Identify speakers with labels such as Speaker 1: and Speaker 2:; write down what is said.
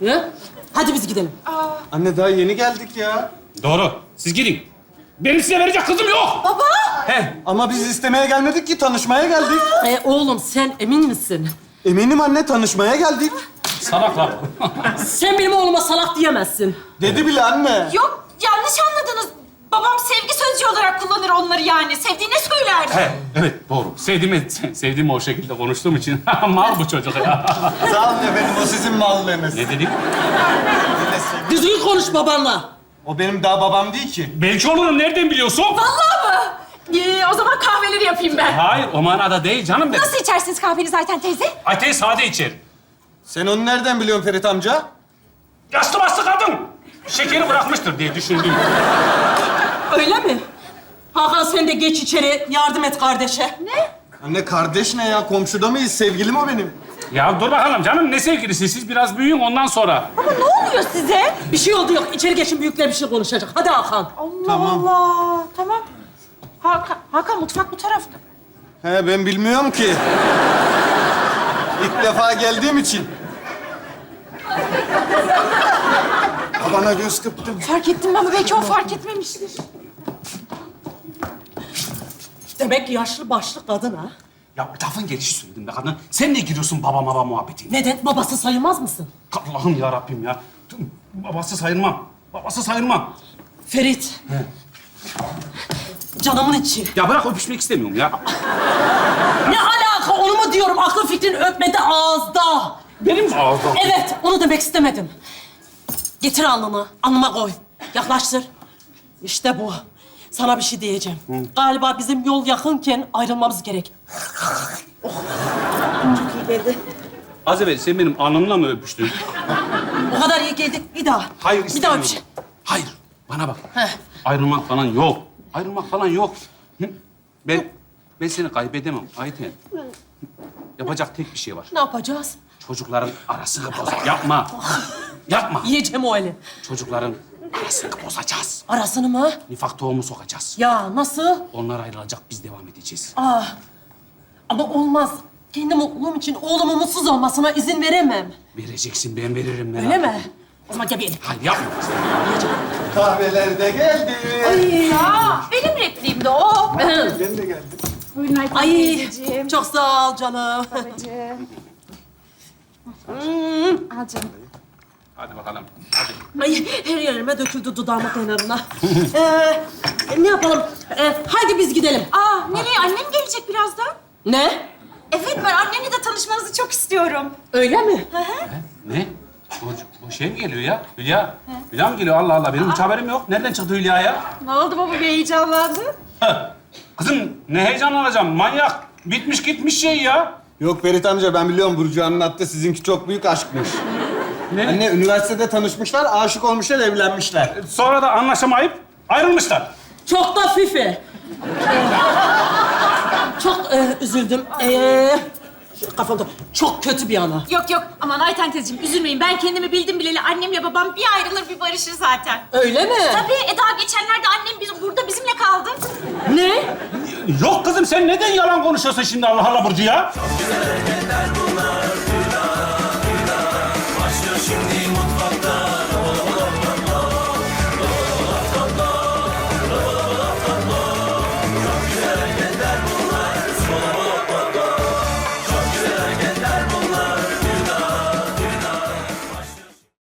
Speaker 1: He? Hadi biz gidelim.
Speaker 2: Anne daha yeni geldik ya.
Speaker 3: Doğru. Siz gidin. Benim size verecek kızım yok.
Speaker 1: Baba!
Speaker 3: He.
Speaker 2: Ama biz istemeye gelmedik ki, tanışmaya geldik.
Speaker 1: Oğlum sen emin misin?
Speaker 2: Eminim anne, tanışmaya geldik.
Speaker 3: Salaklar.
Speaker 1: Sen benim oğluma salak diyemezsin.
Speaker 2: Dedi bile anne.
Speaker 4: Yok, yanlış anladınız. Babam sevgi sözcüğü olarak kullanır onları yani. Sevdiğine söylerdi.
Speaker 3: He, evet doğru. Sevdiğimi o şekilde konuştuğum için mal bu çocuk ya.
Speaker 2: Sağ olun efendim, o sizin mallığınız.
Speaker 3: Ne dedim?
Speaker 1: Düzgün konuş babanla.
Speaker 2: O benim daha babam değil ki.
Speaker 3: Belki olurum. Nereden biliyorsun?
Speaker 4: Vallahi mı? O zaman kahveleri yapayım ben.
Speaker 3: Hayır, o manada değil canım benim.
Speaker 4: Nasıl içersiniz kahveni zaten teyze?
Speaker 3: Ateş sade içer.
Speaker 2: Sen onu nereden biliyorsun Ferit amca?
Speaker 3: Yaşlı bastı kadın. Şekeri bırakmıştır diye düşündüm.
Speaker 1: Öyle mi? Hakan sen de geç içeri yardım et kardeşe.
Speaker 4: Ne?
Speaker 2: Anne kardeş ne ya? Komşuda mıyız? Sevgilim o benim.
Speaker 3: Ya dur bakalım canım, ne sevgilisi? Siz biraz büyüyün ondan sonra.
Speaker 4: Baba ne oluyor size?
Speaker 1: Bir şey oldu yok. İçeri geçin, büyükler bir şey konuşacak. Hadi Hakan.
Speaker 4: Allah
Speaker 2: Tamam.
Speaker 4: Allah. Tamam. Hakan mutfak bu tarafta.
Speaker 2: He, ben bilmiyorum ki. İlk defa geldiğim için. Babana göz kırptım.
Speaker 4: Fark ettim ama belki o fark etmemiştir.
Speaker 1: Demek ki yaşlı başlı kadın ha.
Speaker 3: Ya lafın gelişi söyledim be kadın. Sen ne giriyorsun baba maba muhabbetine?
Speaker 1: Neden? Babası sayılmaz mısın?
Speaker 3: Allah'ım ya Rabbim ya. Babası sayılmam. Babası sayılmam.
Speaker 1: Ferit. Canımın içi.
Speaker 3: Ya bırak, öpüşmek istemiyorum ya.
Speaker 1: Ne alaka, onu mu diyorum? Aklın fikrin öpmede, ağızda.
Speaker 3: Benim mi ağzım?
Speaker 1: Evet, onu demek istemedim. Getir alnını, alnıma koy. Yaklaştır. İşte bu. Sana bir şey diyeceğim. Galiba bizim yol yakınken ayrılmamız gerek. Oh. Çok iyi geldi.
Speaker 3: Az evvel sen benim alnımla mı öpüştün?
Speaker 1: O kadar iyi geldi. Bir daha.
Speaker 3: Hayır,
Speaker 1: Bir daha
Speaker 3: istemiyorum.
Speaker 1: bir şey.
Speaker 3: Hayır, bana bak.
Speaker 1: Heh.
Speaker 3: Ayrılmak falan yok. Ayrılmak falan yok. Hı? Ben seni kaybedemem Ayten. Yapacak tek bir şey var.
Speaker 1: Ne yapacağız?
Speaker 3: Çocukların arasını bozacağız. Yapma. Yapma.
Speaker 1: Yiyeceğim o eli.
Speaker 3: Çocukların arasını bozacağız.
Speaker 1: Arasını mı?
Speaker 3: Nifak tohumu sokacağız.
Speaker 1: Ya nasıl?
Speaker 3: Onlar ayrılacak, biz devam edeceğiz.
Speaker 1: Ama olmaz. Kendi mutluluğum için oğlumun mutsuz olmasına izin veremem.
Speaker 3: Vereceksin, ben veririm merak
Speaker 1: Öyle
Speaker 3: etme.
Speaker 1: mi? O zaman gel bir elim.
Speaker 3: Hayır, yapma.
Speaker 2: Kahveler de geldi.
Speaker 4: Ya benim repliğim de o.
Speaker 2: Ben de geldim.
Speaker 4: Buyurun Ayten
Speaker 1: Ay,
Speaker 4: teyzeciğim.
Speaker 1: çok sağ ol canım.
Speaker 4: Babacığım. Al canım.
Speaker 3: Hadi bakalım. Hadi.
Speaker 1: Ay, her yerime döküldü dudağımın kenarına. Ne yapalım? Haydi biz gidelim.
Speaker 4: Nereye? Annem gelecek birazdan.
Speaker 1: Ne?
Speaker 4: Evet, ben annemle de tanışmanızı çok istiyorum.
Speaker 1: Öyle mi?
Speaker 3: Ne? O şey mi geliyor ya? Hülya. Hülya mı geliyor? Allah Allah. Benim hiç haberim yok. Nereden çıktı Hülya ya?
Speaker 4: Ne oldu baba, bir heyecanlandı?
Speaker 3: Kızım ne heyecanlanacağım? Manyak. Bitmiş gitmiş şey ya.
Speaker 2: Yok Ferit amca, ben biliyorum, Burcu anlattı. Sizinki çok büyük aşkmış.
Speaker 3: Ne?
Speaker 2: Anne, üniversitede tanışmışlar, aşık olmuşlar, evlenmişler.
Speaker 3: Sonra da anlaşamayıp ayrılmışlar.
Speaker 1: Çok da fifi. Çok üzüldüm. Kafamda çok kötü bir ana.
Speaker 4: Yok aman Ayten teyzeciğim üzülmeyin. Ben kendimi bildim bileli annemle babam bir ayrılır bir barışır zaten.
Speaker 1: Öyle mi?
Speaker 4: Tabii daha geçenlerde annem burada bizimle kaldı.
Speaker 1: Ne?
Speaker 3: Yok kızım, sen neden yalan konuşuyorsun şimdi Allah Allah Burcu ya?
Speaker 5: Güzel hareketler bunlar.